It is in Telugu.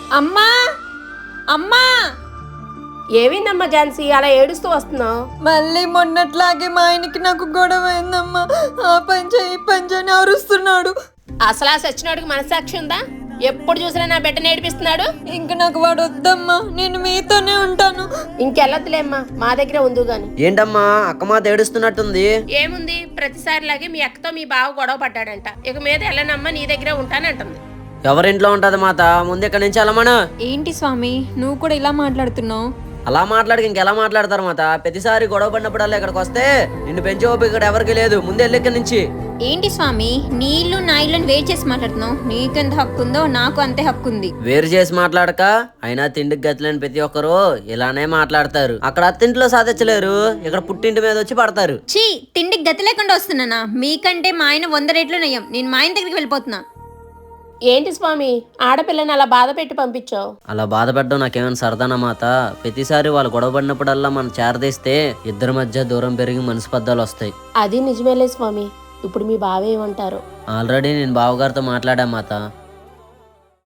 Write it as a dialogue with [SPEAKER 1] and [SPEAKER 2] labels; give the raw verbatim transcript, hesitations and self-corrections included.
[SPEAKER 1] అమ్మా అమ్మా
[SPEAKER 2] ఏమైందమ్మా ఝాన్సీ అలా ఏడుస్తూ వస్తున్నావు?
[SPEAKER 1] మళ్ళీ మొన్నట్లాగే మా ఆయనకి నాకు గొడవ అయిందమ్మా. ఆ పంచ ఈ పంచని అరుస్తున్నాడు.
[SPEAKER 2] అసలు ఆ సచ్చినోడికి మనసాక్షి ఉందా? ఎప్పుడు చూసినా నా బిడ్డను ఏడిపిస్తున్నాడు.
[SPEAKER 1] ఇంక నాకు వాడు వద్దమ్మా, నేను మీతోనే ఉంటాను.
[SPEAKER 2] ఇంకెళ్ళొద్దులేమ్మా, మా దగ్గర ఉందు గాని.
[SPEAKER 3] ఏంటమ్మా అక్క మాత ఏడుస్తున్నట్టుంది?
[SPEAKER 2] ఏముంది, ప్రతిసారిలాగే మీ అక్కతో మీ బావ గొడవ పడ్డాడంట. ఇక మీద వెళ్ళనమ్మా, నీ దగ్గరే ఉంటానంటుంది.
[SPEAKER 3] ఎవరింట్లో ఉంటది మాత? ముందు ఇక్కడి నుంచి వెళ్ళమను.
[SPEAKER 1] ఏంటి స్వామి నువ్వు కూడా ఇలా మాట్లాడుతున్నావు?
[SPEAKER 3] అలా మాట్లాడికి ఇంకెలా మాట్లాడతారు మాత? ప్రతిసారి గొడవ పడినప్పుడల్లా ఇక్కడికి వస్తే నిన్ను పెంచే ఓపిక ఇక్కడ ఎవరికి లేదు. ముందు వెళ్ళి ఇక్కడి నుంచి.
[SPEAKER 1] ఏంటి స్వామి నీ ఇల్లు నా ఇల్లుని వేరు చేసి మాట్లాడుతున్నావు? నీకెంత హక్కు ఉందో నాకు అంతే హక్కు ఉంది.
[SPEAKER 3] వేరు చేసి మాట్లాడక అయినా తిండికి గతిలేని ప్రతి ఒక్కరు ఇలానే మాట్లాడతారు. అక్కడ అత్తింట్లో సాధించలేరు, ఇక్కడ పుట్టింటి మీద వచ్చి పడతారు.
[SPEAKER 1] చీ, తిండికి గతి లేకుండా వస్తున్నానా? మీకంటే మా ఆయన వంద రేట్లు నయం. నేను మా ఆయన దగ్గరికి వెళ్ళిపోతున్నా.
[SPEAKER 2] ఏంటి స్వామి ఆడపిల్లని అలా బాధ పెట్టి పంపించావు?
[SPEAKER 3] అలా బాధపడడం నాకేమైనా సరదానా మాత? ప్రతిసారి వాళ్ళు గొడవ పడినప్పుడల్లా మనం చేరదీస్తే ఇద్దరి మధ్య దూరం పెరిగి మనస్పర్ధాలు వస్తాయి.
[SPEAKER 2] అది నిజమేలే స్వామి. ఇప్పుడు మీ బావ ఏమంటారు?
[SPEAKER 3] ఆల్రెడీ నేను బావగారితో మాట్లాడా మాత.